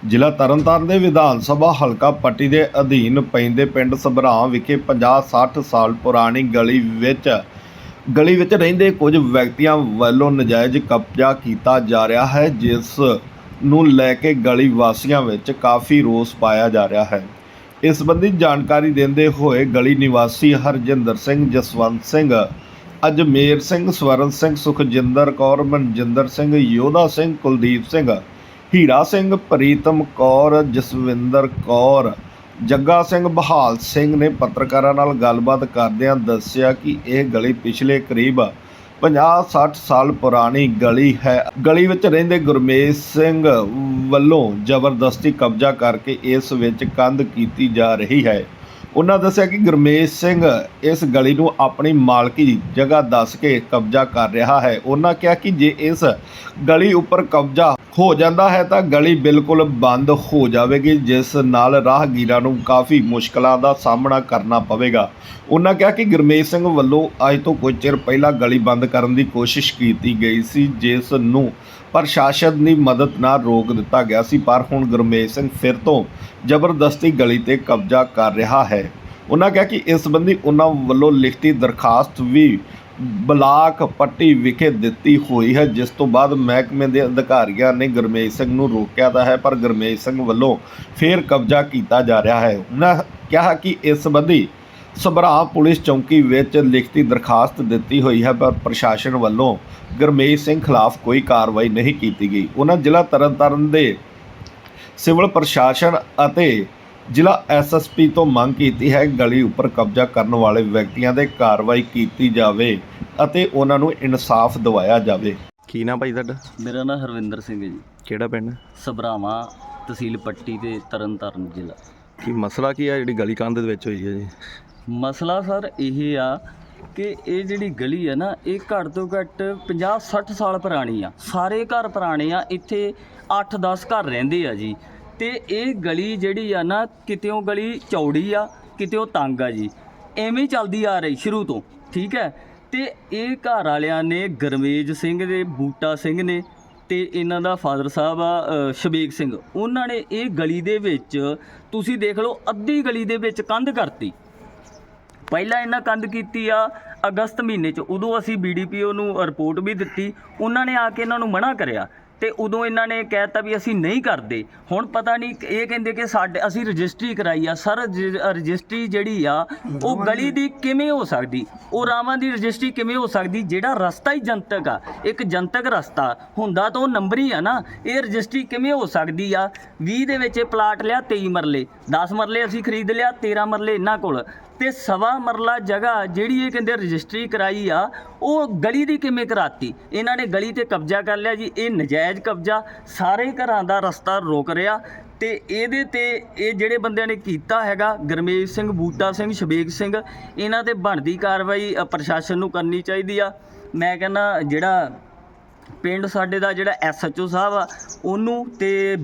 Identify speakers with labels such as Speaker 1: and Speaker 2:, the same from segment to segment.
Speaker 1: ਜ਼ਿਲ੍ਹਾ ਤਰਨਤਾਰਨ ਦੇ ਵਿਧਾਨ ਸਭਾ ਹਲਕਾ ਪੱਟੀ ਦੇ ਅਧੀਨ ਪੈਂਦੇ ਪਿੰਡ ਸਭਰਾਂ ਵਿਖੇ 50-60 ਸਾਲ ਪੁਰਾਣੀ ਗਲੀ ਵਿੱਚ ਰਹਿੰਦੇ ਕੁਝ ਵਿਅਕਤੀਆਂ ਵੱਲੋਂ ਨਜਾਇਜ਼ ਕਬਜ਼ਾ ਕੀਤਾ ਜਾ ਰਿਹਾ ਹੈ, ਜਿਸ ਨੂੰ ਲੈ ਕੇ ਗਲੀ ਵਾਸੀਆਂ ਵਿੱਚ ਕਾਫੀ ਰੋਸ ਪਾਇਆ ਜਾ ਰਿਹਾ ਹੈ। ਇਸ ਸੰਬੰਧੀ ਜਾਣਕਾਰੀ ਦਿੰਦੇ ਹੋਏ ਗਲੀ ਨਿਵਾਸੀ ਹਰਜਿੰਦਰ ਸਿੰਘ, ਜਸਵੰਤ ਸਿੰਘ, ਅਜਮੇਰ ਸਿੰਘ, ਸਵਰਨ ਸਿੰਘ, ਸੁਖਜਿੰਦਰ ਕੌਰ, ਮਨਜਿੰਦਰ ਸਿੰਘ, ਯੋਧਾ ਸਿੰਘ, ਕੁਲਦੀਪ ਸਿੰਘ, ਹੀਰਾ ਸਿੰਘ, ਪ੍ਰੀਤਮ ਕੌਰ, ਜਸਵਿੰਦਰ ਕੌਰ, ਜੱਗਾ ਸਿੰਘ, ਬਹਾਲ ਸਿੰਘ ਨੇ ਪੱਤਰਕਾਰਾਂ ਨਾਲ ਗੱਲਬਾਤ ਕਰਦਿਆਂ ਦੱਸਿਆ ਕਿ ਇਹ ਗਲੀ ਪਿਛਲੇ ਕਰੀਬ 50-60 ਸਾਲ ਪੁਰਾਣੀ ਗਲੀ ਹੈ। ਗਲੀ ਵਿੱਚ ਰਹਿੰਦੇ ਗੁਰਮੇਜ ਸਿੰਘ ਵੱਲੋਂ ਜ਼ਬਰਦਸਤੀ ਕਬਜ਼ਾ ਕਰਕੇ ਇਸ ਵਿੱਚ ਕੰਧ ਕੀਤੀ ਜਾ ਰਹੀ ਹੈ। ਉਹਨਾਂ ਦੱਸਿਆ ਕਿ ਗੁਰਮੇਜ ਸਿੰਘ ਇਸ ਗਲੀ ਨੂੰ ਆਪਣੀ ਮਾਲਕੀ ਜਗ੍ਹਾ ਦੱਸ ਕੇ ਕਬਜ਼ਾ ਕਰ ਰਿਹਾ ਹੈ। ਉਹਨਾਂ ਕਿਹਾ ਕਿ ਜੇ ਇਸ ਗਲੀ ਉੱਪਰ ਕਬਜ਼ਾ ਹੋ ਜਾਂਦਾ ਹੈ ਤਾਂ ਗਲੀ ਬਿਲਕੁਲ ਬੰਦ ਹੋ ਜਾਵੇਗੀ, ਜਿਸ ਨਾਲ ਰਾਹਗੀਰਾਂ ਨੂੰ ਕਾਫੀ ਮੁਸ਼ਕਲਾਂ ਦਾ ਸਾਹਮਣਾ ਕਰਨਾ ਪਵੇਗਾ। ਉਹਨਾਂ ਕਿਹਾ ਕਿ ਗੁਰਮੇਜ ਸਿੰਘ ਵੱਲੋਂ ਅੱਜ ਤੋਂ ਕੁਝ ਚਿਰ ਪਹਿਲਾਂ ਗਲੀ ਬੰਦ ਕਰਨ ਦੀ ਕੋਸ਼ਿਸ਼ ਕੀਤੀ ਗਈ ਸੀ, ਜਿਸ ਨੂੰ ਪ੍ਰਸ਼ਾਸਨ ਦੀ ਮਦਦ ਨਾਲ ਰੋਕ ਦਿੱਤਾ ਗਿਆ ਸੀ, ਪਰ ਹੁਣ ਗੁਰਮੇਜ ਸਿੰਘ ਫਿਰ ਤੋਂ ਜ਼ਬਰਦਸਤੀ ਗਲੀ ਤੇ ਕਬਜ਼ਾ ਕਰ ਰਿਹਾ ਹੈ। ਉਹਨਾਂ ਕਿਹਾ ਕਿ ਇਸ ਸੰਬੰਧੀ ਉਹਨਾਂ ਵੱਲੋਂ ਲਿਖਤੀ ਦਰਖਾਸਤ ਵੀ ਬਲਾਕ ਪੱਟੀ ਵਿਖੇ ਦਿੱਤੀ ਹੋਈ ਹੈ, ਜਿਸ ਤੋਂ ਬਾਅਦ ਮਹਿਕਮੇ ਦੇ ਅਧਿਕਾਰੀਆਂ ਨੇ ਗੁਰਮੇਜ ਸਿੰਘ ਨੂੰ ਰੋਕਿਆ ਤਾਂ ਹੈ, ਪਰ ਗੁਰਮੇਜ ਸਿੰਘ ਵੱਲੋਂ ਫੇਰ ਕਬਜ਼ਾ ਕੀਤਾ ਜਾ ਰਿਹਾ ਹੈ। ਉਹਨਾਂ ਕਿਹਾ ਕਿ ਇਸ ਸੰਬੰਧੀ ਸਭਰਾ ਪੁਲਿਸ ਚੌਂਕੀ ਵਿੱਚ ਲਿਖਤੀ ਦਰਖਾਸਤ ਦਿੱਤੀ ਹੋਈ ਹੈ, ਪਰ ਪ੍ਰਸ਼ਾਸਨ ਵੱਲੋਂ ਗੁਰਮੇਜ ਸਿੰਘ ਖਿਲਾਫ ਕੋਈ ਕਾਰਵਾਈ ਨਹੀਂ ਕੀਤੀ ਗਈ। ਉਹਨਾਂ ਜ਼ਿਲ੍ਹਾ ਤਰਨਤਾਰਨ ਦੇ ਸਿਵਲ ਪ੍ਰਸ਼ਾਸਨ ਅਤੇ ਜ਼ਿਲ੍ਹਾ ਐਸਐਸਪੀ ਤੋਂ ਮੰਗ ਕੀਤੀ ਹੈ ਗਲੀ ਉੱਪਰ ਕਬਜ਼ਾ ਕਰਨ ਵਾਲੇ ਵਿਅਕਤੀਆਂ 'ਤੇ ਕਾਰਵਾਈ ਕੀਤੀ ਜਾਵੇ ਅਤੇ ਉਹਨਾਂ ਨੂੰ ਇਨਸਾਫ ਦਿਵਾਇਆ ਜਾਵੇ। ਕੀ ਨਾਮ ਭਾਈ ਤੁਹਾਡਾ?
Speaker 2: ਮੇਰਾ ਨਾਮ ਹਰਵਿੰਦਰ ਸਿੰਘ ਹੈ ਜੀ।
Speaker 1: ਕਿਹੜਾ ਪਿੰਡ?
Speaker 2: ਸਭਰਾਵਾਂ, ਤਹਿਸੀਲ ਪੱਟੀ ਤੇ ਤਰਨਤਾਰਨ ਜ਼ਿਲ੍ਹਾ।
Speaker 1: ਕੀ ਮਸਲਾ ਕੀ ਆ ਜਿਹੜੀ ਗਲੀ ਕੰਧ ਦੇ ਵਿੱਚ ਹੋਈ ਹੈ ਜੀ?
Speaker 2: ਮਸਲਾ ਸਰ ਇਹ ਆ ਕਿ ਇਹ ਜਿਹੜੀ ਗਲੀ ਹੈ ਨਾ, ਇਹ ਘੱਟ ਤੋਂ ਘੱਟ 50-60 ਸਾਲ ਪੁਰਾਣੀ ਆ। ਸਾਰੇ ਘਰ ਪੁਰਾਣੇ ਆ, ਇੱਥੇ 8-10 ਘਰ ਰਹਿੰਦੇ ਆ ਜੀ। ਤੇ ਇਹ ਗਲੀ ਜਿਹੜੀ ਆ ਨਾ, ਕਿਤਿਓਂ ਗਲੀ ਚੌੜੀ ਆ, ਕਿਤਿਓਂ ਤੰਗ ਆ ਜੀ, ਐਵੇਂ ਚੱਲਦੀ ਆ ਰਹੀ ਸ਼ੁਰੂ ਤੋਂ, ਠੀਕ ਹੈ। ਤੇ ਇਹ ਘਰ ਵਾਲਿਆਂ ਨੇ ਗੁਰਮੇਜ ਸਿੰਘ ਦੇ, ਬੂਟਾ ਸਿੰਘ ਨੇ ਤੇ ਇਹਨਾਂ ਦਾ ਫਾਦਰ ਸਾਹਿਬ ਆ ਸ਼ਬੀਕ ਸਿੰਘ, ਉਹਨਾਂ ਨੇ ਇਹ ਗਲੀ ਦੇ ਵਿੱਚ ਤੁਸੀਂ ਦੇਖ ਲਓ ਅੱਧੀ ਗਲੀ ਦੇ ਵਿੱਚ ਕੰਧ ਕਰਤੀ। ਪਹਿਲਾਂ ਇਹਨਾਂ ਕੰਧ ਕੀਤੀ ਆ ਅਗਸਤ ਮਹੀਨੇ 'ਚ, ਉਦੋਂ ਅਸੀਂ BDPO ਨੂੰ ਰਿਪੋਰਟ ਵੀ ਦਿੱਤੀ। ਉਹਨਾਂ ਨੇ ਆ ਕੇ ਇਹਨਾਂ ਨੂੰ ਮਨ੍ਹਾ ਕਰਿਆ ਤੇ ਉਦੋਂ ਇਹਨਾਂ ਨੇ ਕਹਿ ਦਿੱਤਾ ਵੀ ਅਸੀਂ ਨਹੀਂ ਕਰਦੇ। ਹੁਣ ਪਤਾ ਨਹੀਂ, ਇਹ ਕਹਿੰਦੇ ਕਿ ਅਸੀਂ ਰਜਿਸਟਰੀ ਕਰਾਈ ਆ। ਸਰ ਰਜਿਸਟਰੀ ਜਿਹੜੀ ਆ ਉਹ ਗਲੀ ਦੀ ਕਿਵੇਂ ਹੋ ਸਕਦੀ? ਉਹ ਰਾਵਾਂ ਦੀ ਰਜਿਸਟਰੀ ਕਿਵੇਂ ਹੋ ਸਕਦੀ? ਜਿਹੜਾ ਰਸਤਾ ਹੀ ਜਨਤਕ ਆ, ਇੱਕ ਜਨਤਕ ਰਸਤਾ ਹੁੰਦਾ ਤਾਂ ਉਹ ਨੰਬਰੀ ਆ ਨਾ। ਇਹ ਰਜਿਸਟਰੀ ਕਿਵੇਂ ਹੋ ਸਕਦੀ ਆ? 20 ਦੇ ਵਿੱਚ ਇਹ ਪਲਾਟ ਲਿਆ, 23 ਮਰਲੇ, 10 ਮਰਲੇ ਅਸੀਂ ਖਰੀਦ ਲਿਆ, 13 ਮਰਲੇ ਇਹਨਾਂ ਕੋਲ, ਤੇ 1.25 ਮਰਲਾ ਜਗ੍ਹਾ ਜਿਹੜੀ ਇਹ ਕਹਿੰਦੇ ਰਜਿਸਟਰੀ ਕਰਾਈ ਆ, ਉਹ ਗਲੀ ਦੀ ਕਿਵੇਂ ਕਰਾਤੀ? ਇਹਨਾਂ ਨੇ ਗਲੀ ਤੇ ਕਬਜ਼ਾ ਕਰ ਲਿਆ ਜੀ। ਇਹ ਨਜਾਇਜ਼ ਕਬਜ਼ਾ ਸਾਰੇ ਘਰਾਂ ਦਾ ਰਸਤਾ ਰੋਕ ਰਿਹਾ। ਤੇ ਇਹਦੇ ਤੇ ਇਹ ਜਿਹੜੇ ਬੰਦਿਆਂ ਨੇ ਕੀਤਾ ਹੈਗਾ, ਗੁਰਮੇਜ ਸਿੰਘ, ਬੂਟਾ ਸਿੰਘ, ਸ਼ਬੀਕ ਸਿੰਘ, ਇਹਨਾਂ ਤੇ ਬਣਦੀ ਕਾਰਵਾਈ ਪ੍ਰਸ਼ਾਸਨ ਨੂੰ ਕਰਨੀ ਚਾਹੀਦੀ ਆ। ਮੈਂ ਕਹਿੰਦਾ ਜਿਹੜਾ ਪਿੰਡ ਸਾਡੇ ਦਾ ਜਿਹੜਾ SHO ਸਾਹਿਬ ਆ ਉਹਨੂੰ, ਤੇ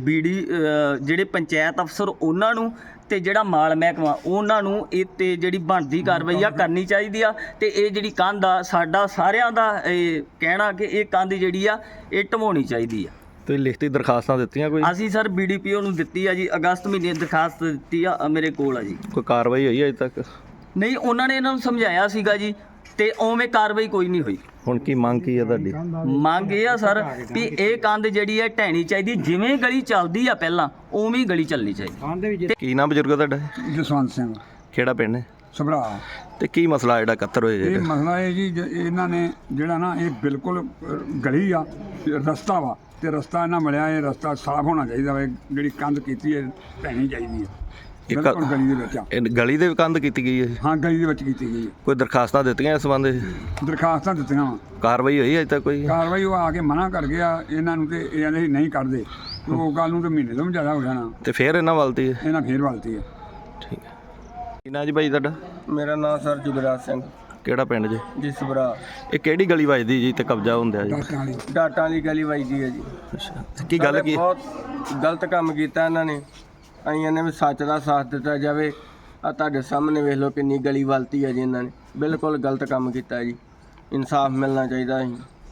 Speaker 2: ਜਿਹੜੇ ਪੰਚਾਇਤ ਅਫਸਰ ਉਹਨਾਂ ਨੂੰ, ਤੇ ਜਿਹੜਾ ਮਾਲ ਮਹਿਕਮਾ ਉਹਨਾਂ ਨੂੰ ਇਹ ਤੇ ਜਿਹੜੀ ਬਣਦੀ ਕਾਰਵਾਈ ਆ ਕਰਨੀ ਚਾਹੀਦੀ ਆ। ਤੇ ਇਹ ਜਿਹੜੀ ਕੰਧ ਆ, ਸਾਡਾ ਸਾਰਿਆਂ ਦਾ ਇਹ ਕਹਿਣਾ ਕਿ ਇਹ ਕੰਧ ਜਿਹੜੀ ਆ ਇਹ ਢਵਾਉਣੀ ਚਾਹੀਦੀ ਆ।
Speaker 1: ਤੁਸੀਂ ਲਿਖਤੀ ਦਰਖਾਸਤਾਂ ਦਿੱਤੀਆਂ ਕੋਈ?
Speaker 2: ਅਸੀਂ ਸਰ BDPO ਨੂੰ ਦਿੱਤੀ ਆ ਜੀ, ਅਗਸਤ ਮਹੀਨੇ ਦਰਖਾਸਤ ਦਿੱਤੀ ਆ, ਮੇਰੇ ਕੋਲ ਆ ਜੀ।
Speaker 1: ਕੋਈ ਕਾਰਵਾਈ ਹੋਈ ਅਜੇ ਤੱਕ?
Speaker 2: ਨਹੀਂ, ਉਹਨਾਂ ਨੇ ਇਹਨਾਂ ਨੂੰ ਸਮਝਾਇਆ ਸੀਗਾ ਜੀ, ਤੇ ਉਵੇਂ ਕਾਰਵਾਈ ਕੋਈ ਨਹੀਂ ਹੋਈ।
Speaker 1: ਹੁਣ ਕੀ ਮੰਗ ਕੀ ਹੈ ਤੁਹਾਡੀ?
Speaker 2: ਮੰਗ ਇਹ ਆ ਸਰ ਵੀ ਇਹ ਕੰਧ ਜਿਹੜੀ ਹੈ ਢਹਿਣੀ ਚਾਹੀਦੀ, ਜਿਵੇਂ ਗਲੀ ਚੱਲਦੀ ਆ ਪਹਿਲਾਂ ਉਵੇਂ ਹੀ ਗਲੀ ਚੱਲਣੀ ਚਾਹੀਦੀ।
Speaker 1: ਕੀ ਨਾਮ ਬਜ਼ੁਰਗ ਤੁਹਾਡਾ?
Speaker 3: ਜਸਵੰਤ ਸਿੰਘ।
Speaker 1: ਕਿਹੜਾ ਪਿੰਡ ਹੈ?
Speaker 3: ਸਭਰਾ।
Speaker 1: ਤੇ ਕੀ ਮਸਲਾ ਜਿਹੜਾ ਇਕੱਤਰ ਹੋਇਆ?
Speaker 3: ਇਹ ਮਸਲਾ ਇਹ ਜੀ, ਇਹਨਾਂ ਨੇ ਜਿਹੜਾ ਨਾ, ਇਹ ਬਿਲਕੁਲ ਗਲੀ ਆ, ਰਸਤਾ ਵਾ, ਤੇ ਰਸਤਾ ਇਹਨਾਂ ਮਿਲਿਆ, ਇਹ ਰਸਤਾ ਸਾਫ਼ ਹੋਣਾ ਚਾਹੀਦਾ ਵਾ। ਜਿਹੜੀ ਕੰਧ ਕੀਤੀ ਹੈ ਢਹਿਣੀ ਚਾਹੀਦੀ ਹੈ ਬਿਲਕੁਲ ਗਲੀ ਦੇ ਵਿੱਚ।
Speaker 1: ਇਹ ਗਲੀ ਦੇ ਕੰਧ ਕੀਤੀ ਗਈ ਹੈ?
Speaker 3: ਹਾਂ, ਗਲੀ ਦੇ ਵਿੱਚ ਕੀਤੀ ਗਈ ਹੈ।
Speaker 1: ਕੋਈ ਦਰਖਾਸਤਾਂ ਦਿੱਤੀਆਂ ਇਸ ਸੰਬੰਧ?
Speaker 3: ਦਰਖਾਸਤਾਂ ਦਿੱਤੀਆਂ ਵਾ।
Speaker 1: ਕਾਰਵਾਈ ਹੋਈ ਅਜੇ ਤੱਕ ਕੋਈ?
Speaker 3: ਕਾਰਵਾਈ ਉਹ ਆ ਕੇ ਮਨਾ ਕਰ ਗਿਆ ਇਹਨਾਂ ਨੂੰ, ਤੇ ਇਹ ਕਹਿੰਦੇ ਨਹੀਂ ਕਰਦੇ। ਉਹ ਗੱਲ ਨੂੰ ਤੇ ਮਹੀਨੇ ਤੋਂ ਵੀ ਜ਼ਿਆਦਾ ਹੋ ਜਾਣਾ,
Speaker 1: ਤੇ ਫਿਰ ਇਹਨਾਂ ਵੱਲਤੀ ਹੈ?
Speaker 3: ਇਹਨਾਂ ਫੇਰ ਵੱਲਤੀ ਹੈ।
Speaker 1: ਠੀਕ ਹੈ। ਕੀ ਨਾਂ ਜੀ ਭਾਈ ਤੁਹਾਡਾ?
Speaker 4: ਮੇਰਾ ਨਾਮ ਸਰ ਜੁਗਰਾਜ ਸਿੰਘ।
Speaker 1: ਕਿਹੜਾ ਪਿੰਡ ਜੀ?
Speaker 4: ਜੀ ਸਭਰਾ।
Speaker 1: ਇਹ ਕਿਹੜੀ ਗਲੀ ਵੱਜਦੀ ਜੀ ਤੇ ਕਬਜ਼ਾ ਹੁੰਦਾ ਜੀ?
Speaker 4: ਡਾਟਾਂ ਵਾਲੀ ਗਲੀ ਵੱਜਦੀ ਹੈ ਜੀ।
Speaker 1: ਅੱਛਾ, ਕੀ ਗੱਲ ਕੀ?
Speaker 4: ਬਹੁਤ ਗਲਤ ਕੰਮ ਕੀਤਾ ਇਹਨਾਂ ਨੇ। ਅਸੀਂ ਨੇ ਵੀ ਸੱਚ ਦਾ ਸਾਥ ਦਿੱਤਾ ਜਾਵੇ। ਆ ਤੁਹਾਡੇ ਸਾਹਮਣੇ ਵੇਖ ਲਓ ਕਿੰਨੀ ਗਲੀ ਵੱਲਤੀ ਹੈ ਜੀ ਇਹਨਾਂ ਨੇ। ਬਿਲਕੁਲ ਗਲਤ ਕੰਮ ਕੀਤਾ ਜੀ। ਇਨਸਾਫ ਮਿਲਣਾ ਚਾਹੀਦਾ ਸੀ।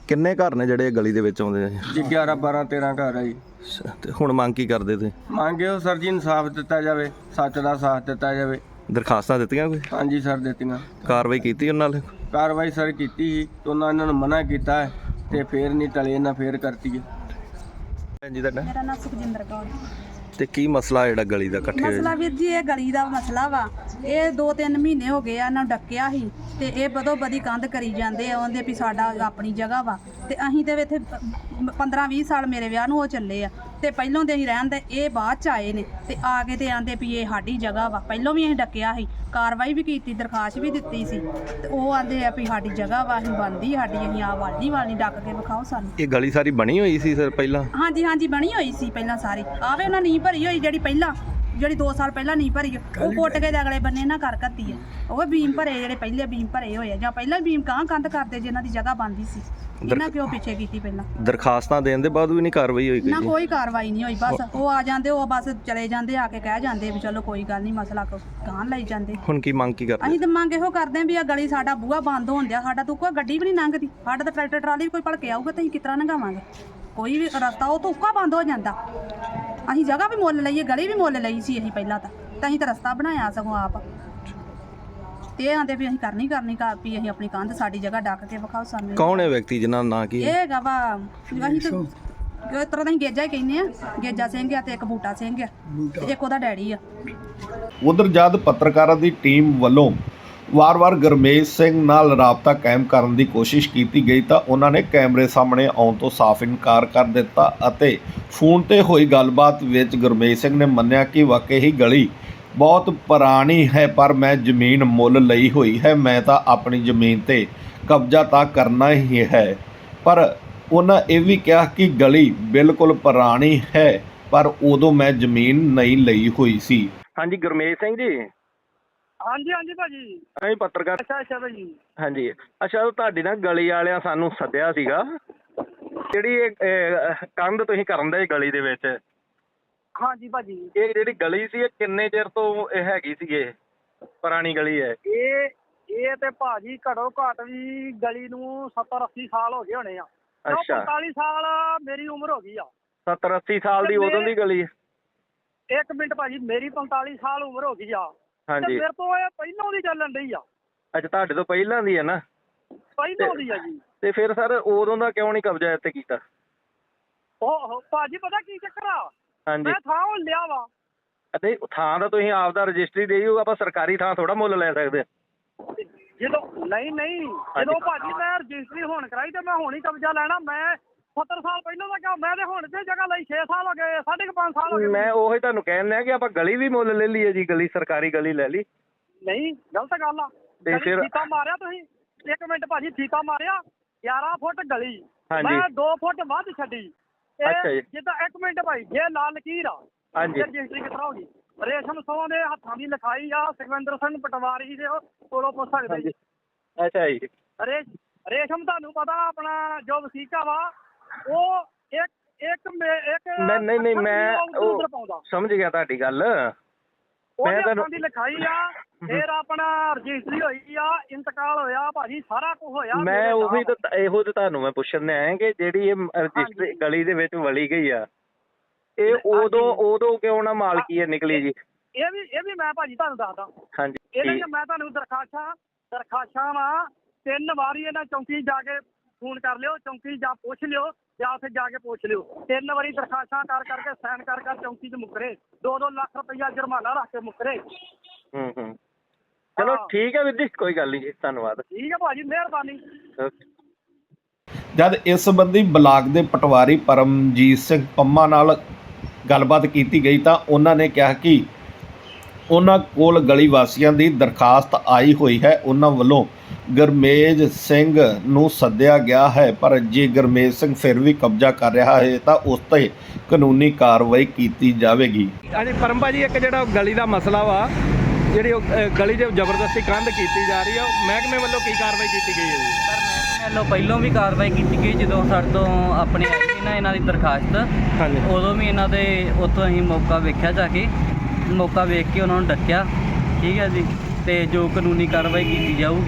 Speaker 1: ਕਿੰਨੇ ਘਰ ਨੇ ਜਿਹੜੇ ਗਲੀ ਦੇ ਵਿੱਚ ਆਉਂਦੇ ਨੇ?
Speaker 4: ਜੀ 11 12 13 ਘਰ ਆ ਜੀ।
Speaker 1: ਤੇ ਹੁਣ ਮੰਗ ਕੀ ਕਰਦੇ ਤੁਸੀਂ?
Speaker 4: ਮੰਗੇ ਉਹ ਸਰ ਜੀ ਇਨਸਾਫ ਦਿੱਤਾ ਜਾਵੇ, ਸੱਚ ਦਾ ਸਾਥ ਦਿੱਤਾ ਜਾਵੇ।
Speaker 1: ਦਰਖਾਸਤਾਂ ਦਿੱਤੀਆਂ ਕੋਈ?
Speaker 4: ਹਾਂਜੀ ਸਰ ਦਿੱਤੀਆਂ।
Speaker 1: ਕਾਰਵਾਈ ਕੀਤੀ ਉਹਨਾਂ ਨਾਲ?
Speaker 4: ਕਾਰਵਾਈ ਸਰ ਕੀਤੀ ਸੀ ਤੇ ਇਹਨਾਂ ਨੂੰ ਮਨਾ ਕੀਤਾ ਹੈ ਤੇ ਫੇਰ ਨਹੀਂ ਟਲੇ, ਇਹਨਾਂ ਫੇਰ ਕਰਤੀ ਹੈ।
Speaker 1: ਜੀ ਤੁਹਾਡਾ?
Speaker 5: ਮੇਰਾ ਨਾਮ ਸੁਖਜਿੰਦਰ ਕੌਰ।
Speaker 1: ਤੇ ਕੀ ਮਸਲਾ ਜਿਹੜਾ ਗਲੀ ਦਾ ਇਕੱਠੇ ਹੋਏ?
Speaker 5: ਮਸਲਾ ਵੀਰ ਜੀ ਇਹ ਗਲੀ ਦਾ ਮਸਲਾ ਵਾ। ਇਹ 2-3 ਮਹੀਨੇ ਹੋ ਗਏ ਆ ਇਹਨਾਂ ਨੂੰ ਡੱਕਿਆ ਸੀ ਤੇ ਇਹ ਬਦੋ ਬਦੀ ਕੰਧ ਕਰੀ ਜਾਂਦੇ ਆ, ਉਹਦੇ ਵੀ ਸਾਡਾ ਆਪਣੀ ਜਗ੍ਹਾ ਵਾ ਤੇ ਅਸੀਂ ਤੇ ਇੱਥੇ 15-20 ਸਾਲ ਮੇਰੇ ਵਿਆਹ ਨੂੰ ਉਹ ਚੱਲੇ ਆ ਤੇ ਪਹਿਲੋਂ ਦੇ ਅਸੀਂ ਰਹਿਣ ਦੇ, ਇਹ ਬਾਅਦ ਚ ਆਏ ਨੇ ਤੇ ਆ ਕੇ ਤੇ ਆਂਦੇ ਵੀ ਇਹ ਸਾਡੀ ਜਗ੍ਹਾ ਵਾ। ਪਹਿਲੋਂ ਵੀ ਅਸੀਂ ਡੱਕਿਆ ਸੀ, ਕਾਰਵਾਈ ਵੀ ਕੀਤੀ, ਦਰਖਾਸਤ ਵੀ ਦਿੱਤੀ ਸੀ ਤੇ ਉਹ ਆਂਦੇ ਆ ਵੀ ਸਾਡੀ ਜਗ੍ਹਾ ਵਾ, ਅਸੀਂ ਬਣਦੀ ਸਾਡੀ, ਅਸੀਂ ਆ ਵਾਲੀ ਡੱਕ ਕੇ ਵਿਖਾਓ ਸਾਨੂੰ।
Speaker 1: ਇਹ ਗਲੀ ਸਾਰੀ ਬਣੀ ਹੋਈ ਸੀ ਸਰ ਪਹਿਲਾਂ?
Speaker 5: ਹਾਂਜੀ ਹਾਂਜੀ ਬਣੀ ਹੋਈ ਸੀ ਪਹਿਲਾਂ ਸਾਰੀ। ਆਵੇ ਉਹਨਾਂ ਨੀਂਹ ਭਰੀ ਹੋਈ ਜਿਹੜੀ 2 ਸਾਲ ਪਹਿਲਾਂ ਨਹੀਂ ਭਰੀ, ਉਹ ਪੁੱਟ ਕੇ ਅਗਲੇ ਬੰਨੇ ਨਾ ਕਰ ਘੱਤੀ ਆ। ਉਹ ਬੀਮ ਭਰੇ, ਜਿਹੜੇ ਪਹਿਲੇ ਬੀਮ ਭਰੇ ਹੋਏ ਆ ਜਾਂ ਪਹਿਲਾਂ ਬੀਮ ਕੰਧ ਕਰਦੇ ਜਿਨ੍ਹਾਂ ਦੀ ਜਗ੍ਹਾ ਬਣਦੀ ਸੀ, ਇਹਨਾਂ ਕਿਉਂ ਪਿੱਛੇ ਕੀਤੀ ਪਹਿਲਾਂ?
Speaker 1: ਦਰਖਾਸਤਾਂ ਦੇਣ ਦੇ ਬਾਅਦ ਵੀ ਨਹੀਂ ਕਾਰਵਾਈ ਹੋਈ?
Speaker 5: ਨਾ ਕੋਈ ਕਾਰਵਾਈ ਨਹੀਂ ਹੋਈ, ਬਸ ਉਹ ਆ ਜਾਂਦੇ, ਉਹ ਬਸ ਚਲੇ ਜਾਂਦੇ, ਆ ਕੇ ਕਹਿ ਜਾਂਦੇ ਵੀ ਚਲੋ ਕੋਈ ਗੱਲ ਨਹੀਂ, ਮਸਲਾ ਗਾਂ ਲਈ ਜਾਂਦੇ।
Speaker 1: ਹੁਣ ਕੀ ਮੰਗ ਕੀ ਕਰਦੇ?
Speaker 5: ਅਸੀਂ ਤਾਂ ਮੰਗ ਇਹੋ ਕਰਦੇ ਵੀ ਆ ਗਲੀ ਸਾਡਾ ਬੂਹਾ ਬੰਦ ਹੋਣ ਦਿਆ, ਸਾਡਾ ਤੋਂ ਕੋਈ ਗੱਡੀ ਵੀ ਨਹੀਂ ਲੰਘਦੀ, ਸਾਡਾ ਤਾਂ ਟਰੈਕਟਰ ਟਰਾਲੀ ਵੀ ਕੋਈ ਭਲਕੇ ਆਊਗਾ ਤਾਂ ਅਸੀਂ ਕਿਸ ਤਰ੍ਹਾਂ ਲੰਘਾਵਾਂਗੇ? ਕੋਈ ਵੀ ਰਸਤਾ ਉਹ ਤੋਂ ਉੱਕਾ ਬੰਦ ਹੋ ਜਾਂਦਾ। ਅਸੀਂ ਜਗ੍ਹਾ ਵੀ ਮੁੱਲ ਲਈਏ, ਗਲੀ ਵੀ ਮੁੱਲ ਲਈ ਸੀ ਅਸੀਂ ਪਹਿਲਾਂ ਤਾਂ ਅਸੀਂ ਤਾਂ ਰਸਤਾ ਬਣਾਇਆ ਸਗੋਂ ਆਪ। ਤੇ ਆਂਦੇ ਵੀ ਅਸੀਂ ਕਰਨੀ ਵੀ ਅਸੀਂ ਆਪਣੀ ਕੰਧ ਸਾਡੀ ਜਗ੍ਹਾ ਡੱਕ ਕੇ ਵਿਖਾਓ ਸਾਨੂੰ।
Speaker 1: ਕੌਣ ਹੈ ਵਿਅਕਤੀ ਜਿਨ੍ਹਾਂ ਦਾ ਨਾਂ ਕੀ ਹੈ?
Speaker 5: ਇਹ ਹੈਗਾ ਵਾ, ਅਸੀਂ ਤਾਂ ਇਸ ਤਰ੍ਹਾਂ ਦਾ ਅਸੀਂ ਗੇਜਾ ਹੀ ਕਹਿੰਦੇ ਆ, ਗੇਜਾ ਸਿੰਘ ਆ ਤੇ ਇੱਕ ਬੂਟਾ ਸਿੰਘ ਆ ਤੇ ਇੱਕ ਉਹਦਾ ਡੈਡੀ ਆ।
Speaker 1: ਉਧਰ ਜਦ ਪੱਤਰਕਾਰਾਂ ਦੀ ਟੀਮ ਵੱਲੋਂ ਵਾਰ-ਵਾਰ ਗੁਰਮੇਜ ਸਿੰਘ ਨਾਲ ਰਾਬਤਾ ਕਾਇਮ ਕਰਨ ਦੀ ਕੋਸ਼ਿਸ਼ ਕੀਤੀ ਗਈ ਤਾਂ ਉਹਨਾਂ ਨੇ ਕੈਮਰੇ ਸਾਹਮਣੇ ਆਉਣ ਤੋਂ ਸਾਫ਼ ਇਨਕਾਰ ਕਰ ਦਿੱਤਾ ਅਤੇ ਫੋਨ ਤੇ ਹੋਈ ਗੱਲਬਾਤ ਵਿੱਚ ਗੁਰਮੇਜ ਸਿੰਘ ਨੇ ਮੰਨਿਆ ਕਿ ਵਾਕਈ ਹੀ ਗਲੀ ਬਹੁਤ ਪੁਰਾਣੀ ਹੈ, ਪਰ ਮੈਂ ਜ਼ਮੀਨ ਮੁੱਲ ਲਈ ਹੋਈ ਹੈ, ਮੈਂ ਤਾਂ ਆਪਣੀ ਜ਼ਮੀਨ ਤੇ ਕਬਜ਼ਾ ਤਾਂ ਕਰਨਾ ਹੀ ਹੈ। ਪਰ ਉਹਨਾਂ ਇਹ ਵੀ ਕਿਹਾ ਕਿ ਗਲੀ ਬਿਲਕੁਲ ਪੁਰਾਣੀ ਹੈ, ਪਰ ਉਦੋਂ ਮੈਂ ਜ਼ਮੀਨ ਨਹੀਂ ਲਈ ਹੋਈ ਸੀ। ਹਾਂਜੀ ਗੁਰਮੇਜ ਸਿੰਘ ਜੀ।
Speaker 3: ਹਾਂਜੀ ਹਾਂਜੀ ਭਾਜੀ।
Speaker 1: ਅਸੀਂ ਪੱਤਰਕਾਰ।
Speaker 3: ਅੱਛਾ ਭਾਜੀ।
Speaker 1: ਹਾਂਜੀ ਅੱਛਾ, ਤੁਹਾਡੀ ਨਾ ਗਲੀ ਵਾਲਿਆਂ ਸਾਨੂੰ ਸੱਦਿਆ ਸੀਗਾ, ਜਿਹੜੀ ਇਹ ਕੰਧ ਤੁਸੀਂ ਕਰਨ ਦੇ ਗਲੀ ਦੇ ਵਿੱਚ।
Speaker 3: ਹਾਂਜੀ ਭਾਜੀ।
Speaker 1: ਇਹ ਜਿਹੜੀ ਗਲੀ ਸੀ ਇਹ ਕਿੰਨੇ ਚਿਰ ਤੋਂ ਇਹ ਹੈਗੀ ਸੀ? ਇਹ ਪੁਰਾਣੀ ਗਲੀ ਹੈ?
Speaker 3: ਇਹ ਤੇ ਭਾਜੀ ਘੱਟੋ ਘੱਟ ਵੀ ਗਲੀ ਨੂੰ 70-80 ਸਾਲ ਹੋ ਗਏ ਹੋਣੇ ਆ।
Speaker 1: ਅੱਛਾ
Speaker 3: 45 ਸਾਲ ਮੇਰੀ ਉਮਰ ਹੋ ਗਈ ਆ।
Speaker 1: 70-80 ਸਾਲ ਦੀ ਉਦੋਂ ਦੀ ਗਲੀ ਹੈ?
Speaker 3: ਇੱਕ ਮਿੰਟ ਭਾਜੀ, ਮੇਰੀ 45 ਸਾਲ ਉਮਰ ਹੋ ਗਈ ਆ।
Speaker 1: ਹਾਂਜੀ।
Speaker 3: ਮੇਰੇ ਤੋਂ ਇਹ ਪਹਿਲਾਂ ਦੀ ਚੱਲਣ ਡਈ ਆ।
Speaker 1: ਅੱਛਾ ਤੁਹਾਡੇ ਤੋਂ ਪਹਿਲਾਂ ਦੀ ਹੈ ਨਾ?
Speaker 3: ਪਹਿਲਾਂ ਦੀ ਆ ਜੀ।
Speaker 1: ਤੇ ਫਿਰ ਸਰ ਉਦੋਂ ਦਾ ਕਿਉਂ ਨਹੀਂ ਕਬਜ਼ਾ ਇੱਥੇ ਕੀਤਾ?
Speaker 3: ਉਹ ਭਾਜੀ ਪਤਾ ਕੀ ਚੱਕਰ ਆ,
Speaker 1: ਹਾਂਜੀ।
Speaker 3: ਮੈਂ ਥਾਂ ਉਹ ਲਿਆ ਵਾ।
Speaker 1: ਅਤੇ ਥਾਂ ਦਾ ਤੁਸੀਂ ਆਪ ਦਾ ਰਜਿਸਟਰੀ ਦੇਈ ਹੋਊ, ਆਪਾਂ ਸਰਕਾਰੀ ਥਾਂ ਥੋੜਾ ਮੁੱਲ ਲੈ ਸਕਦੇ?
Speaker 3: ਜਦੋਂ ਨਹੀਂ ਜਦੋਂ ਭਾਜੀ ਮੈਂ ਰਜਿਸਟਰੀ ਹੁਣ ਕਰਾਈ ਤੇ ਮੈਂ ਹੁਣ ਹੀ ਕਬਜ਼ਾ ਲੈਣਾ। ਮੈਂ 70 ਸਾਲ ਪਹਿਲਾਂ ਦਾ ਕਿਹਾ, ਮੈਂ ਤੇ ਹੁਣ ਤੇ ਜਗ੍ਹਾ ਲਈ 6 ਸਾਲ ਹੋ ਗਏ, 5.5 ਸਾਲ ਹੋ ਗਏ।
Speaker 1: ਮੈਂ ਉਹੀ ਤੁਹਾਨੂੰ ਕਹਿਣ ਲਿਆ ਕਿ ਆਪਾਂ ਗਲੀ ਵੀ ਮੁੱਲ ਲੈ ਲਈਏ ਜੀ, ਗਲੀ ਸਰਕਾਰੀ ਗਲੀ ਲੈ ਲਈ।
Speaker 3: ਨਹੀਂ ਗਲਤ ਗੱਲ ਆ।
Speaker 1: ਤੇ ਫਿਰ
Speaker 3: ਫੀਤਾ ਮਾਰਿਆ ਤੁਸੀਂ, ਇੱਕ ਮਿੰਟ ਭਾਜੀ, ਫੀਤਾ ਮਾਰਿਆ 11 ਫੁੱਟ ਗਲੀ,
Speaker 1: ਹਾਂਜੀ।
Speaker 3: ਮੈਂ 2 ਫੁੱਟ ਵੱਧ ਛੱਡੀ।
Speaker 1: ਅੱਛਾ ਜੀ।
Speaker 3: ਜਿੱਦਾਂ ਇੱਕ ਮਿੰਟ ਭਾਈ, ਜੇ ਲਾਲ ਲਕੀਰ ਆ,
Speaker 1: ਹਾਂਜੀ।
Speaker 3: ਰਜਿਸਟਰੀ ਕਿਸ ਤਰ੍ਹਾਂ ਹੋ ਗਈ? ਰੇਸ਼ਮ ਸੋਹ ਦੇ ਹੱਥਾਂ ਦੀ ਲਿਖਾਈ ਆ, ਸੁਖਵਿੰਦਰ ਸਿੰਘ ਪਟਵਾਰੀ ਦੇ ਕੋਲੋਂ ਪੁੱਛ ਸਕਦੇ ਜੀ।
Speaker 1: ਅੱਛਾ ਜੀ।
Speaker 3: ਰੇਸ਼ਮ ਤੁਹਾਨੂੰ ਪਤਾ ਆਪਣਾ ਜੋ ਵਸੀਕਾ ਵਾ, ਉਹ ਇੱਕ
Speaker 1: ਨਹੀਂ ਮੈਂ
Speaker 3: ਉਧਰ ਪਾਉਂਦਾ।
Speaker 1: ਸਮਝ ਗਿਆ ਤੁਹਾਡੀ ਗੱਲ।
Speaker 3: ਉਹਦੇ ਹੱਥਾਂ ਦੀ ਲਿਖਾਈ ਆ, ਫਿਰ ਆਪਣਾ ਰਜਿਸਟਰੀ ਹੋਈ ਆ, ਇੰਤਕਾਲ ਹੋਇਆ ਭਾਜੀ, ਸਾਰਾ ਕੁਝ ਹੋਇਆ।
Speaker 1: ਮੈਂ ਉਹੀ ਤਾਂ ਇਹੋ ਤੇ ਤੁਹਾਨੂੰ ਮੈਂ ਪੁੱਛਣ ਆਇਆ ਕਿ ਜਿਹੜੀ ਇਹ ਰਜਿਸਟਰੀ ਗਲੀ ਦੇ ਵਿੱਚ ਵਲੀ ਗਈ ਆ, ਇਹ ਉਦੋਂ ਕਿਉਂ ਨਾ ਮਾਲਕੀ ਹੈ ਨਿਕਲੀ ਜੀ?
Speaker 3: ਇਹ ਵੀ ਮੈਂ ਭਾਜੀ ਤੁਹਾਨੂੰ ਦੱਸਦਾ।
Speaker 1: ਹਾਂਜੀ।
Speaker 3: ਇਹਦੇ 'ਚ ਮੈਂ ਤੁਹਾਨੂੰ ਦਰਖਾਸ਼ਾਂ ਵਾ 3 ਵਾਰੀ ਇਹਨਾਂ ਚੌਂਕੀ ਜਾ ਕੇ ਫੋਨ ਕਰ ਲਿਓ, ਚੌਂਕੀ ਜਾ ਪੁੱਛ ਲਿਓ ਜਾਂ ਉੱਥੇ ਜਾ ਕੇ ਪੁੱਛ ਲਿਓ। 3 ਵਾਰੀ ਦਰਖਾਸ਼ਾਂ ਕਰਕੇ ਸਾਈਨ ਕਰ ਚੌਂਕੀ 'ਚ ਮੁੱਕਰੇ, 2-2 ਲੱਖ ਰੁਪਈਆ ਜੁਰਮਾਨਾ ਰੱਖ ਕੇ ਮੁੱਕਰੇ।
Speaker 1: ਚਲੋ ਠੀਕ ਹੈ ਵੀਰ ਜੀ, ਕੋਈ ਗੱਲ ਨਹੀਂ ਜੀ, ਧੰਨਵਾਦ।
Speaker 3: ਠੀਕ ਹੈ ਭਾਜੀ, ਮਿਹਰਬਾਨੀ।
Speaker 1: ਜਦ ਇਸ ਸੰਬੰਧੀ ਬਲਾਕ ਦੇ ਪਟਵਾਰੀ ਪਰਮਜੀਤ ਸਿੰਘ ਪੰਮਾ ਨਾਲ ਗੱਲਬਾਤ ਕੀਤੀ ਗਈ ਤਾਂ ਉਹਨਾਂ ਨੇ ਕਿਹਾ ਕਿ ਉਹਨਾਂ ਕੋਲ ਗਲੀ ਵਾਸੀਆਂ ਦੀ ਦਰਖਾਸਤ ਆਈ ਹੋਈ ਹੈ, ਉਹਨਾਂ ਵੱਲੋਂ ਗੁਰਮੇਜ ਸਿੰਘ ਨੂੰ ਸੱਦਿਆ ਗਿਆ ਹੈ, ਪਰ ਜੇ ਗੁਰਮੇਜ ਸਿੰਘ ਫਿਰ ਵੀ ਕਬਜ਼ਾ ਕਰ ਰਿਹਾ ਹੈ ਤਾਂ ਉਸ 'ਤੇ ਕਾਨੂੰਨੀ ਕਾਰਵਾਈ ਕੀਤੀ ਜਾਵੇਗੀ। ਹਾਂਜੀ ਪਰਮ ਭਾਜੀ, ਇੱਕ ਜਿਹੜਾ ਗਲੀ ਦਾ ਮਸਲਾ ਵਾ, ਜਿਹੜੀ ਗਲੀ 'ਚ ਜ਼ਬਰਦਸਤੀ ਕੰਧ ਕੀਤੀ ਜਾ ਰਹੀ ਆ, ਮਹਿਕਮੇ ਵੱਲੋਂ ਕੀ ਕਾਰਵਾਈ ਕੀਤੀ ਗਈ ਹੈ ਜੀ?
Speaker 2: ਸਰ ਮਹਿਕਮੇ ਵੱਲੋਂ ਪਹਿਲਾਂ ਵੀ ਕਾਰਵਾਈ ਕੀਤੀ ਗਈ, ਜਦੋਂ ਸਾਡੇ ਤੋਂ ਆਪਣੇ ਆਈ ਸੀ ਨਾ ਇਹਨਾਂ ਦੀ ਦਰਖਾਸਤ,
Speaker 1: ਹਾਂਜੀ।
Speaker 2: ਉਦੋਂ ਵੀ ਇਹਨਾਂ ਦੇ ਉੱਥੋਂ ਅਸੀਂ ਮੌਕਾ ਵੇਖਿਆ, ਜਾ ਕੇ ਮੌਕਾ ਵੇਖ ਕੇ ਉਹਨਾਂ ਨੂੰ ਡੱਕਿਆ, ਠੀਕ ਹੈ ਜੀ। ਤੇ ਜੋ ਕਾਨੂੰਨੀ ਕਾਰਵਾਈ ਕੀਤੀ ਜਾਊਗੀ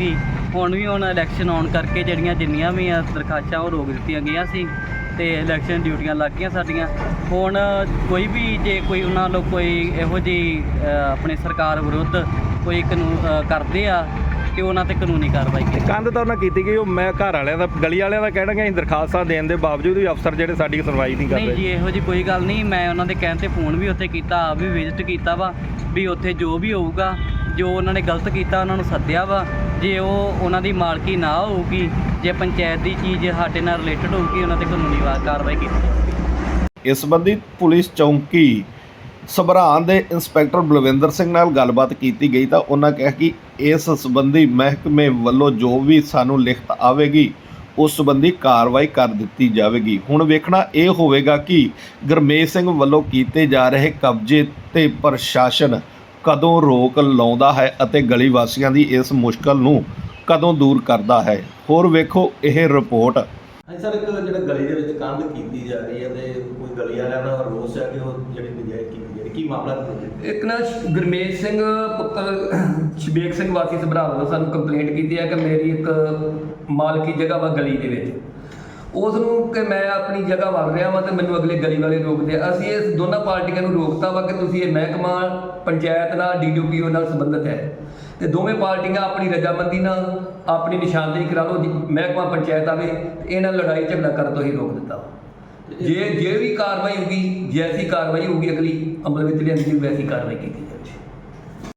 Speaker 2: ਹੁਣ ਇਲੈਕਸ਼ਨ ਆਉਣ ਕਰਕੇ ਜਿੰਨੀਆਂ ਵੀ ਆ ਦਰਖਾਸਤਾਂ ਉਹ ਰੋਕ ਦਿੱਤੀਆਂ ਗਈਆਂ ਸੀ ਤੇ ਇਲੈਕਸ਼ਨ ਡਿਊਟੀਆਂ ਲੱਗ ਗਈਆਂ ਸਾਡੀਆਂ। ਹੁਣ ਕੋਈ ਵੀ ਜੇ ਕੋਈ ਉਹਨਾਂ ਵੱਲੋਂ ਕੋਈ ਇਹੋ ਜਿਹੀ ਆਪਣੇ ਸਰਕਾਰ ਵਿਰੁੱਧ ਕੋਈ ਕਾਨੂੰਨ ਕਰਦੇ ਆ ਤੇ ਉਹਨਾਂ ਤੇ ਕਾਨੂੰਨੀ ਕਾਰਵਾਈ ਕੀਤੀ।
Speaker 6: ਕੰਧ ਤਾਂ ਉਹਨਾਂ ਕੀਤੀ ਗਈ, ਉਹ ਮੈਂ ਘਰ ਵਾਲਿਆਂ ਦਾ ਗਲੀ ਵਾਲਿਆਂ ਦਾ ਕਹਿਣਗੇ ਅਸੀਂ ਦਰਖਾਸਤਾਂ ਦੇਣ ਦੇ ਬਾਵਜੂਦ ਵੀ ਅਫਸਰ ਜਿਹੜੇ ਸਾਡੀ ਸੁਣਵਾਈ ਨਹੀਂ
Speaker 2: ਨਹੀਂ
Speaker 6: ਕਰਦੇ।
Speaker 2: ਜੀ ਇਹੋ ਜਿਹੀ ਕੋਈ ਗੱਲ ਨਹੀਂ। ਮੈਂ ਉਹਨਾਂ ਦੇ ਕਹਿਣ ਤੇ ਫੋਨ ਵੀ ਉੱਥੇ ਕੀਤਾ, ਆਪ ਵੀ ਵਿਜ਼ਿਟ ਕੀਤਾ ਵਾ ਵੀ ਉੱਥੇ ਜੋ ਵੀ ਹੋਊਗਾ, ਜੋ ਉਹਨਾਂ ਨੇ ਗਲਤ ਕੀਤਾ ਉਹਨਾਂ ਨੂੰ ਸੱਦਿਆ ਵਾ। ਜੇ ਉਹ ਉਹਨਾਂ ਦੀ ਮਾਲਕੀ ਨਾ ਹੋਊਗੀ, ਜੇ ਪੰਚਾਇਤ ਦੀ ਚੀਜ਼ ਸਾਡੇ ਨਾਲ ਰਿਲੇਟਡ ਹੋਊਗੀ, ਉਹਨਾਂ ਤੇ ਕਾਨੂੰਨੀ ਕਾਰਵਾਈ ਕੀਤੀ ਜਾਵੇਗੀ।
Speaker 1: ਇਸ ਸੰਬੰਧੀ ਪੁਲਿਸ ਚੌਂਕੀ ਸਭਰਾਨ ਦੇ ਇੰਸਪੈਕਟਰ ਬਲਵਿੰਦਰ ਸਿੰਘ ਨਾਲ ਗੱਲਬਾਤ ਕੀਤੀ ਗਈ ਤਾਂ ਉਹਨਾਂ ਕਿਹਾ ਕਿ ਇਸ ਸੰਬੰਧੀ ਮਹਿਕਮੇ ਵੱਲੋਂ ਜੋ ਵੀ ਸਾਨੂੰ ਲਿਖਤ ਆਵੇਗੀ ਉਸ ਸੰਬੰਧੀ ਕਾਰਵਾਈ ਕਰ ਦਿੱਤੀ ਜਾਵੇਗੀ। ਹੁਣ ਵੇਖਣਾ ਇਹ ਹੋਵੇਗਾ ਕਿ ਗੁਰਮੇਜ ਸਿੰਘ ਵੱਲੋਂ ਕੀਤੇ ਜਾ ਰਹੇ ਕਬਜ਼ੇ ਤੇ ਪ੍ਰਸ਼ਾਸਨ ਕਦੋਂ ਰੋਕ ਲਾਉਂਦਾ ਹੈ ਅਤੇ ਗਲੀ ਵਾਸੀਆਂ ਦੀ ਇਸ ਮੁਸ਼ਕਲ ਨੂੰ ਕਦੋਂ ਦੂਰ ਕਰਦਾ ਹੈ। ਹੋਰ ਵੇਖੋ ਇਹ ਰਿਪੋਰਟ।
Speaker 7: ਹਾਂਜੀ ਸਰ, ਇੱਕ ਜਿਹੜਾ ਗਲੀ ਦੇ ਵਿੱਚ ਕੰਧ ਕੀਤੀ ਜਾ ਰਹੀ ਹੈ ਤੇ ਕੋਈ ਗਲੀ ਵਾਲਿਆਂ ਦਾ ਰੋਸ ਹੈ ਕਿ ਉਹ ਜਿਹੜੀ ਨਜਾਇਜ਼ ਕੀਤੀ ਜਾ ਰਹੀ, ਕੀ ਮਾਮਲਾ?
Speaker 8: ਇੱਕ ਨਾ ਗੁਰਮੇਜ ਸਿੰਘ ਪੁੱਤਰ ਸ਼ਬੇਕ ਸਿੰਘ ਵਾਸੀ ਸਭਰਾ ਵੱਲੋਂ ਸਾਨੂੰ ਕੰਪਲੇਂਟ ਕੀਤੀ ਹੈ ਕਿ ਮੇਰੀ ਇੱਕ ਮਾਲਕੀ ਜਗ੍ਹਾ ਵਾ ਗਲੀ ਦੇ ਵਿੱਚ, ਉਸ ਨੂੰ ਕਿ ਮੈਂ ਆਪਣੀ ਜਗ੍ਹਾ ਵੜ ਰਿਹਾ ਵਾਂ ਤੇ ਮੈਨੂੰ ਅਗਲੇ ਗਲੀ ਵਾਲੇ ਰੋਕਦੇ ਆ। ਅਸੀਂ ਇਸ ਦੋਨਾਂ ਪਾਰਟੀਆਂ ਨੂੰ ਰੋਕਤਾ ਵਾ ਕਿ ਤੁਸੀਂ ਇਹ ਮਹਿਕਮਾ ਪੰਚਾਇਤ ਨਾਲ DDPO ਨਾਲ ਸੰਬੰਧਿਤ ਹੈ ਤੇ ਦੋਵੇਂ ਪਾਰਟੀਆਂ ਆਪਣੀ ਰਜਾਮੰਦੀ ਨਾਲ ਆਪਣੀ ਨਿਸ਼ਾਨਦੇਹੀ ਕਰਾ ਲਓ। ਮਹਿਕਮਾ ਪੰਚਾਇਤ ਆਵੇ ਤੇ ਇਹਨਾਂ ਲੜਾਈ ਝਗੜਾ ਕਰਨ ਤੋਂ ਹੀ ਰੋਕ ਦਿੱਤਾ। ਜੇ ਵੀ ਕਾਰਵਾਈ ਹੋਊਗੀ, ਜੈਸੀ ਕਾਰਵਾਈ ਹੋਊਗੀ ਅਗਲੀ ਅਮਲ ਵਿੱਚ ਲਿਆਂਦੀ ਵੈਸੀ ਕਾਰਵਾਈ ਕੀਤੀ ਜਾਵੇ।